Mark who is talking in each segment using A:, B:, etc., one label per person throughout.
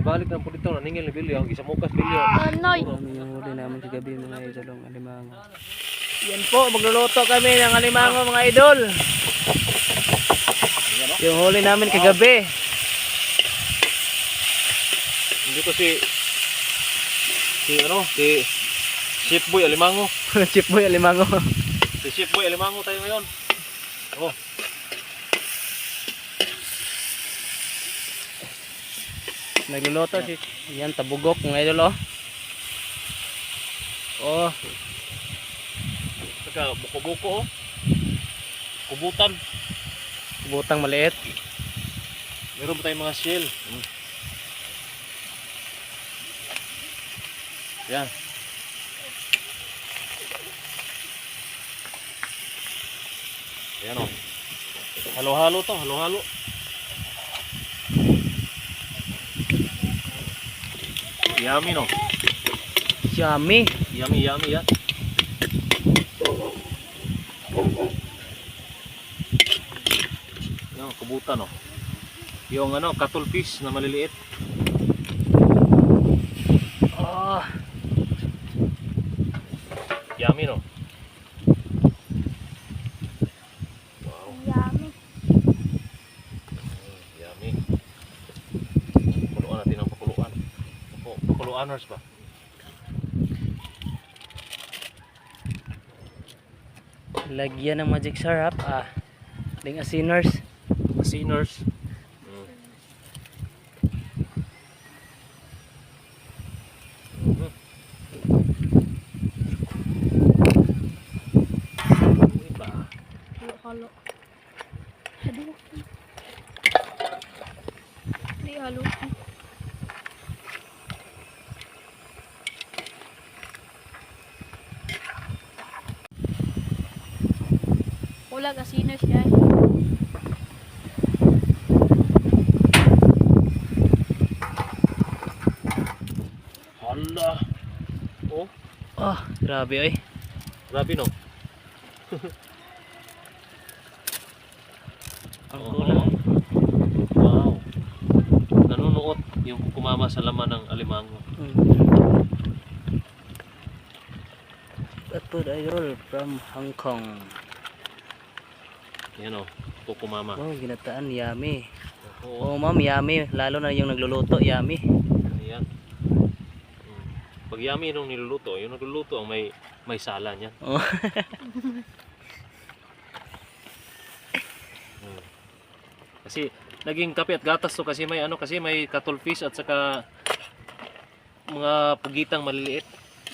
A: ibalik na po dito, naningil ni Bilyo, isa mukas Bilyo.
B: Anoy.
C: Kami yung huli namin kagabi mga idol, ang alimango.
D: Yan po, magluluto kami ng alimango mga idol. Yung huli namin kagabi.
A: Hindi ko si Chef Boy Alimango.
D: Chip boy alimango.
A: Si Chef Boy Alimango tayo ngayon. Oh.
D: Nagluluto si yan tabugok mga idol oh. Oh,
A: Saka buko-buko oh. Kubutan.
D: butang maliit.
A: Meron pa tayong mga shell. Yan. Ayan o. Halo-halo to, halo-halo. Yummy no.
D: Yummy.
A: Yummy, yummy yan. Yan, kubutan no. Yung cuttlefish na maliliit.
D: Oh,
A: Yummy no.
B: Yummy.
A: Yummy. Pakuluan natin ang pakuluan. Pakuluaners ba?
D: lagyan ng magic syrup ding asiners.
A: Asiners.
B: Halo. Aduh. Di halo. Ulag asiners yan.
A: Hala. Oh,
D: Oh, grabe oy.
A: grabe no.
D: Ang
A: Oo.
D: kulang.
A: Wow. Nanunuot yung kumama sa laman ng alimango.
D: That food idol from Hong Kong.
A: Yan o, kukumama.
D: Oh, ginataan yummy.
A: Oo,
D: Oh, ma'am, yummy. Lalo na yung nagluluto, yummy.
A: yan. Pag yummy nung niluluto, yung nagluluto ang may sala niyan.
D: Oh.
A: Kasi naging kape at gatas to kasi may cuttlefish at saka mga pugitang maliliit.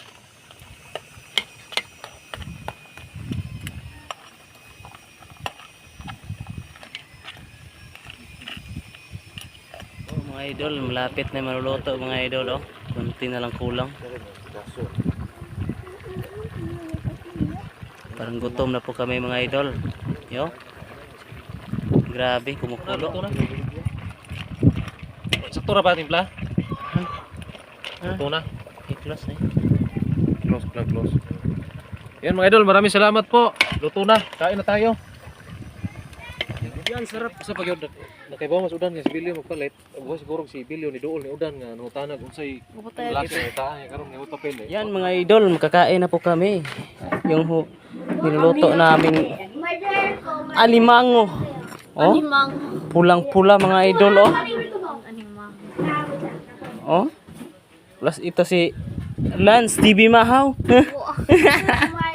D: Oh, mga idol, malapit na maluluto mga idol oh. Kunti na lang kulang. Parang gutom na po kami mga idol. Yo. Grabe, kumukulo.
A: Sakto na ba timpla? Sakto na.
D: I-close na.
A: Close. Yan mga idol, maraming salamat po. Luto na. Kain na tayo. Yan sarap sa pagyod. Nakaibaw mas udan nga si Bilyo magpalit. Abo siguro si Bilyo ni Duol ni udan nga nangutanag unsay laki sa itahan karon nga utapil eh.
D: Yan mga idol, makakain na po kami. Yung niluluto namin alimango. Oh,
B: Animang.
D: pulang-pula mga idol oh.
B: Animang.
D: Oh. Plus ito si Lance TV Mahaw.